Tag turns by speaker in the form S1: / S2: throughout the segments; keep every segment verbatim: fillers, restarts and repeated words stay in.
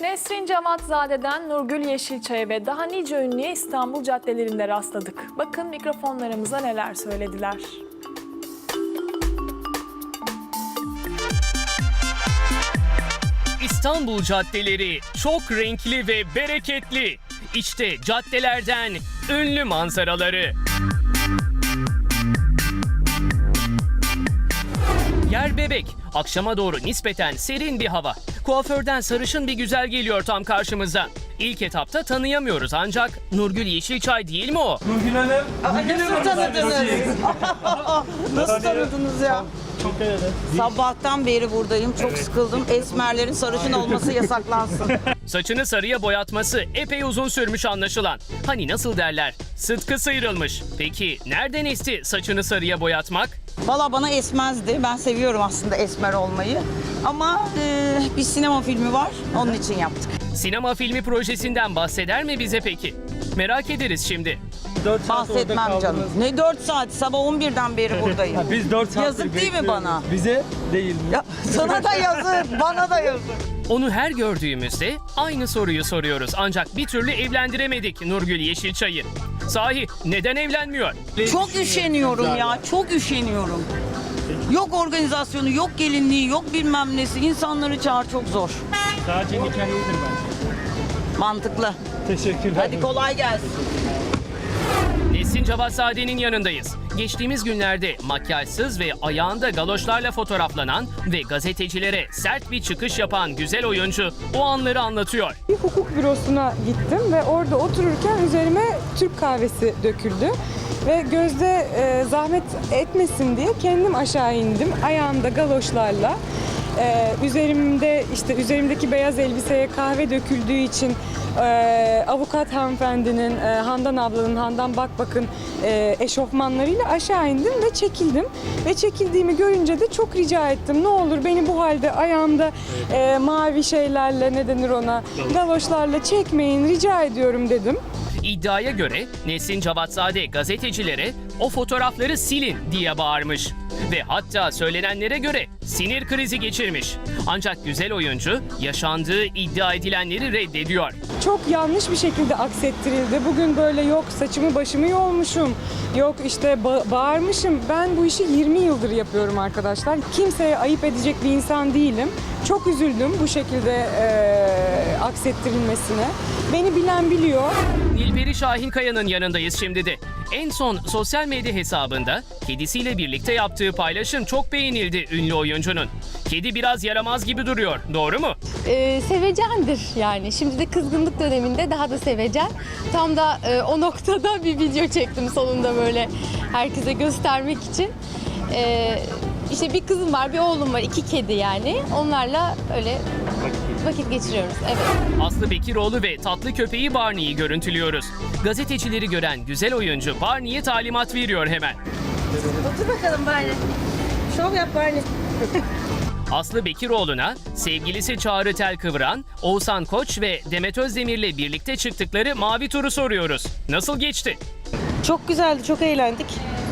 S1: Nesrin Cevatzade'den Nurgül Yeşilçay'a ve daha nice ünlüye İstanbul caddelerinde rastladık. Bakın mikrofonlarımıza neler söylediler.
S2: İstanbul caddeleri çok renkli ve bereketli. İşte caddelerden ünlü manzaraları. Yer bebek. Akşama doğru nispeten serin bir hava. Kuaförden sarışın bir güzel geliyor tam karşımıza. İlk etapta tanıyamıyoruz ancak Nurgül Yeşilçay değil mi o?
S3: Nurgül Hanım.
S4: Nasıl tanıdınız? Nasıl tanıdınız ya?
S3: Çok öyle.
S4: Sabahtan beri buradayım. Çok sıkıldım. Esmerlerin sarışın olması yasaklansın.
S2: Saçını sarıya boyatması epey uzun sürmüş anlaşılan. Hani nasıl derler? Sıtkı sıyrılmış. Peki nereden esti saçını sarıya boyatmak?
S4: Valla bana esmezdi. Ben seviyorum aslında esmer olmayı. Ama e, bir sinema filmi var. Onun için yaptık.
S2: Sinema filmi projesinden bahseder mi bize peki? Merak ederiz şimdi.
S3: dört saat orada
S4: Bahsetmem
S3: kaldınız.
S4: canım. Ne dört saat? Sabah on birden beri buradayım.
S3: Ha, biz dört saattir
S4: Yazık değil mi
S3: bekliyoruz.
S4: bana?
S3: Bize değil mi?
S4: Ya, sana da yazık, bana da yazık.
S2: Onu her gördüğümüzde aynı soruyu soruyoruz. Ancak bir türlü evlendiremedik Nurgül Yeşilçay'ı. Sahi neden evlenmiyor?
S4: Çok üşeniyorum ya, çok üşeniyorum. Yok organizasyonu, yok gelinliği, yok bilmem nesi. İnsanları çağır, çok zor.
S3: Sadece nikah iyidir bence.
S4: Mantıklı.
S3: Teşekkürler.
S4: Hadi kolay gelsin.
S2: Nesrin Cevatzade'nin yanındayız. Geçtiğimiz günlerde makyajsız ve ayağında galoşlarla fotoğraflanan ve gazetecilere sert bir çıkış yapan güzel oyuncu o anları anlatıyor.
S5: Bir hukuk bürosuna gittim ve orada otururken üzerime Türk kahvesi döküldü. Ve Gözde e, zahmet etmesin diye kendim aşağı indim ayağımda galoşlarla. E, üzerimde işte üzerimdeki beyaz elbiseye kahve döküldüğü için e, avukat hanımefendinin, e, Handan ablanın, Handan Bakbak'ın e, eşofmanlarıyla aşağı indim ve çekildim. Ve çekildiğimi görünce de çok rica ettim. Ne olur beni bu halde ayağımda e, mavi şeylerle, ne denir ona, galoşlarla çekmeyin, rica ediyorum dedim.
S2: İddiaya göre Nesrin Cevatzade gazetecilere o fotoğrafları silin diye bağırmış. Ve hatta söylenenlere göre sinir krizi geçirmiş. Ancak güzel oyuncu yaşandığı iddia edilenleri reddediyor.
S5: Çok yanlış bir şekilde aksettirildi. Bugün böyle yok saçımı başımı yolmuşum, yok işte ba- bağırmışım. Ben bu işi yirmi yıldır yapıyorum arkadaşlar. Kimseye ayıp edecek bir insan değilim. Çok üzüldüm bu şekilde e, aksettirilmesine. Beni bilen biliyor.
S2: Nilperi Şahinkaya'nın yanındayız şimdi de. En son sosyal medya hesabında kedisiyle birlikte yaptığı paylaşım çok beğenildi ünlü oyuncunun. Kedi biraz yaramaz gibi duruyor, doğru mu?
S6: Ee, sevecendir yani. Şimdi de kızgınlık döneminde daha da sevecen. Tam da e, o noktada bir video çektim sonunda böyle herkese göstermek için. Ee, işte bir kızım var, bir oğlum var, iki kedi yani. Onlarla öyle vakit geçiriyoruz. Evet.
S2: Aslı Bekiroğlu ve tatlı köpeği Barney'i görüntülüyoruz. Gazetecileri gören güzel oyuncu Barney'e talimat veriyor hemen.
S6: Otur bakalım Barney. Şov yap Barney.
S2: Aslı Bekiroğlu'na sevgilisi Çağrı Telkıvran, Oğuzhan Koç ve Demet Özdemir'le birlikte çıktıkları Mavi Tur'u soruyoruz. Nasıl geçti?
S7: Çok güzeldi, çok eğlendik.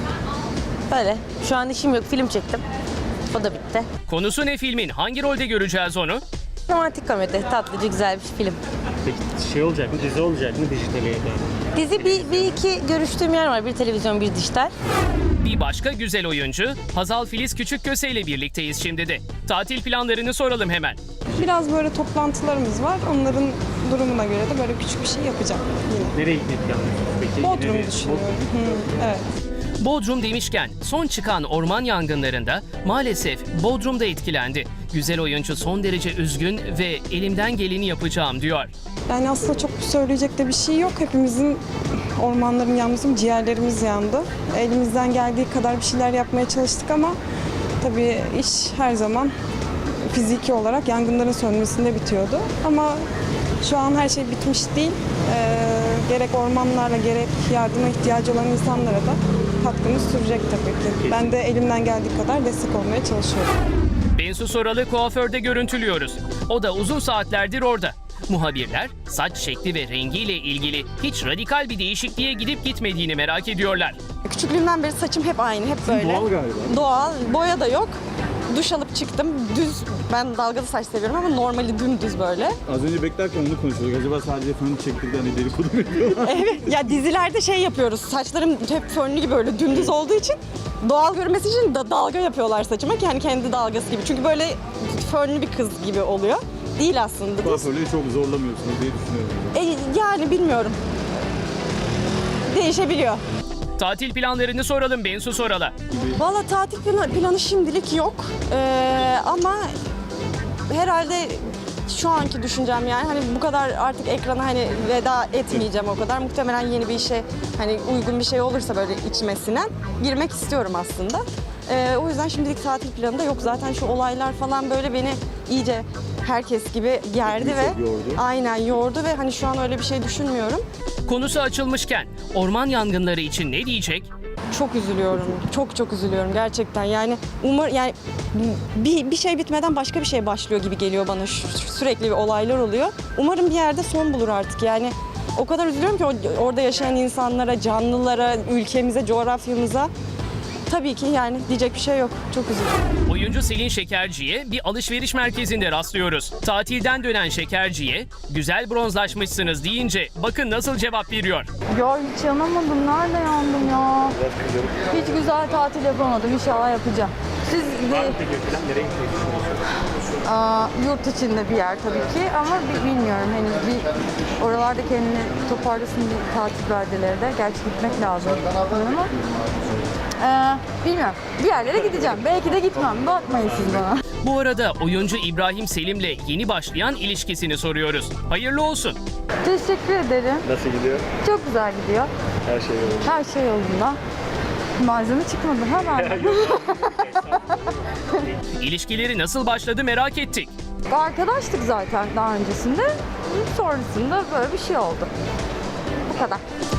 S7: Böyle. Şu an işim yok, film çektim. O da bitti.
S2: Konusu ne filmin? Hangi rolde göreceğiz onu?
S7: Romantik komedi, tatlıcı, güzel bir film.
S3: Peki şey olacak mı? Dizi olacak mı? Dijitale ya da?
S7: Dizi bir, bir iki görüştüğüm yer var. Bir televizyon, bir dijital.
S2: Bir başka güzel oyuncu Hazal Filiz Küçükköse ile birlikteyiz şimdi de. Tatil planlarını soralım hemen.
S5: Biraz böyle toplantılarımız var. Onların durumuna göre de böyle küçük bir şey yapacağım yine.
S3: Nereye gitmeyi planlıyorsunuz peki?
S5: Bodrum'u
S3: Nereye?
S5: düşünüyorum. Hı, evet.
S2: Bodrum demişken son çıkan orman yangınlarında maalesef Bodrum'da etkilendi. Güzel oyuncu son derece üzgün ve elimden geleni yapacağım diyor.
S5: Yani aslında çok söyleyecek de bir şey yok. Hepimizin ormanların yanması, ciğerlerimiz yandı. Elimizden geldiği kadar bir şeyler yapmaya çalıştık ama tabii iş her zaman fiziki olarak yangınların sönmesinde bitiyordu. Ama şu an her şey bitmiş değil. Ee, gerek ormanlarla gerek yardıma ihtiyacı olan insanlara da katkımız sürecek tabii ki. Ben de elimden geldiği kadar destek olmaya çalışıyorum.
S2: Bensu Soral'ı kuaförde görüntülüyoruz. O da uzun saatlerdir orada. Muhabirler saç şekli ve rengiyle ilgili hiç radikal bir değişikliğe gidip gitmediğini merak ediyorlar.
S8: Küçüklüğümden beri saçım hep aynı, hep böyle.
S3: Doğal galiba.
S8: Doğal, boya da yok. Duş alıp çıktım, düz Ben dalgalı saç seviyorum ama normali dümdüz böyle.
S9: Az önce beklerken onu konuşuyorduk. Acaba sadece fön çektirdi hani dedikodu mu yapıyorlar?
S8: Evet ya dizilerde şey yapıyoruz. Saçlarım hep fönlü gibi böyle dümdüz olduğu için doğal görmesi için da dalga yapıyorlar saçıma ki hani kendi dalgası gibi. Çünkü böyle fönlü bir kız gibi oluyor. Değil aslında.
S9: Kuaförleri çok zorlamıyorsunuz diye düşünüyorum.
S8: E, yani bilmiyorum. Değişebiliyor.
S2: Tatil planlarını soralım Bensu Soral'a.
S8: Valla tatil planı, planı şimdilik yok. Ee, ama herhalde şu anki düşüncem yani hani bu kadar artık ekrana hani veda etmeyeceğim o kadar. Muhtemelen yeni bir işe hani uygun bir şey olursa böyle içmesinden girmek istiyorum aslında. Ee, o yüzden şimdilik tatil planı da yok. Zaten şu olaylar falan böyle beni iyice herkes gibi gerdi ve
S9: yordu.
S8: aynen yordu ve hani şu an öyle bir şey düşünmüyorum.
S2: Konusu açılmışken orman yangınları için ne diyecek?
S8: Çok üzülüyorum. Çok çok üzülüyorum gerçekten. Yani umar yani bir, bir şey bitmeden başka bir şey başlıyor gibi geliyor bana. Şu- şu- Sürekli bir olaylar oluyor. Umarım bir yerde son bulur artık. Yani o kadar üzülüyorum ki o- orada yaşayan insanlara, canlılara, ülkemize, coğrafyamıza. Tabii ki yani diyecek bir şey yok. Çok üzüldüm.
S2: Oyuncu Selin Şekerci'ye bir alışveriş merkezinde rastlıyoruz. Tatilden dönen Şekerci'ye güzel bronzlaşmışsınız deyince bakın nasıl cevap veriyor.
S10: Ya hiç yanamadım. Nerede yandım ya? Hiç güzel tatil yapamadım. İnşallah yapacağım. Siz de
S3: Nereye gitmeyi düşünüyorsunuz?
S10: aa, yurt içinde bir yer tabii ki ama bi- bilmiyorum henüz bir oralarda kendini toparlasın bir tatil beldeleri de. Gerçi gitmek lazım ama ee, bilmiyorum. Bir yerlere gideceğim. Belki de gitmem. Bakmayın siz bana.
S2: Bu arada oyuncu İbrahim Selim'le yeni başlayan ilişkisini soruyoruz. Hayırlı olsun.
S10: Teşekkür ederim.
S3: Nasıl gidiyor?
S10: Çok güzel gidiyor.
S3: Her şey yolunda.
S10: Her şey yolunda. Malzeme çıkmadı hemen.
S2: İlişkileri nasıl başladı merak ettik.
S10: Arkadaştık zaten daha öncesinde. Sonrasında böyle bir şey oldu. Bu kadar.